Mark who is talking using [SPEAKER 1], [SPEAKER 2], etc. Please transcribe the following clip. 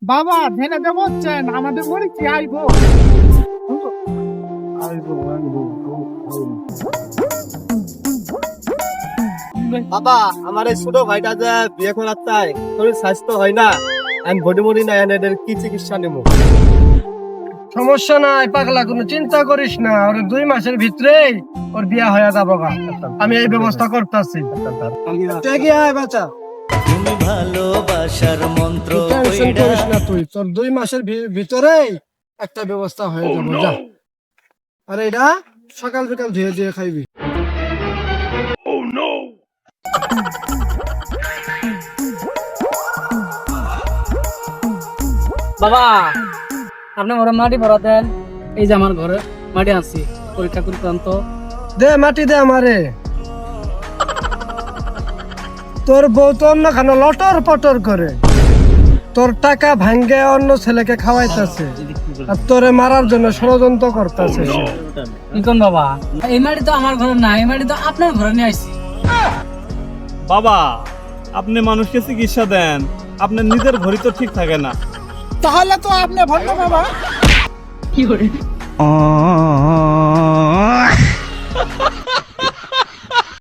[SPEAKER 1] বাবা ধ্যানে দেবচ্ছেন আমাদের বাড়ি কি আইবো?
[SPEAKER 2] বাবা আমার এই ছোট ভাইটা যে বিয়ে করার চাই শরীর স্বাস্থ্য হয় না, আমি বডি মডি না এদের কি চিকিৎসা নেবো?
[SPEAKER 3] সমস্যা নাই পাগলা, কোনো চিন্তা করিস না, ওর 2 মাসের ভিতরেই ওর বিয়া হয়ে যাবো গা। আমি এই ব্যবস্থা করতেছি। বাচ্চা
[SPEAKER 4] তুমি ভালোবাসার মন্ত্র
[SPEAKER 3] টেনশন করিস না, তুই তোর 2 মাসের ভিতরেই একটা ব্যবস্থা হয়ে যাবে, যা। আর এটা সকাল বিকাল ধুয়ে ধুয়ে খাইবি।
[SPEAKER 5] বাবা আপনি ঘরে মাটি ভরা দেন, এই যে আমার ঘরে মাটি আনছি, পরীক্ষা করতে আনতো।
[SPEAKER 3] দে মাটি দে আমারে। তোর বউ তো অন্য খানো লটর পটর করে তোর টাকা ভাঙ্গে অন্য ছেলেকে খাওয়াইতেছে, আর তোরে মারার জন্য ষড়যন্ত্র করতেছে।
[SPEAKER 5] কি কোন বাবা, এই মাটি তো আমার ঘরে না, এই মাটি তো আপনার ঘরে নিয়ে আসছি।
[SPEAKER 6] বাবা আপনি মানুষকে চিকিৎসা দেন, আপনার নিজের ঘড়ি তো ঠিক থাকে না।
[SPEAKER 1] তাহলে তো আপনি ভালো বাবা।
[SPEAKER 5] কি করে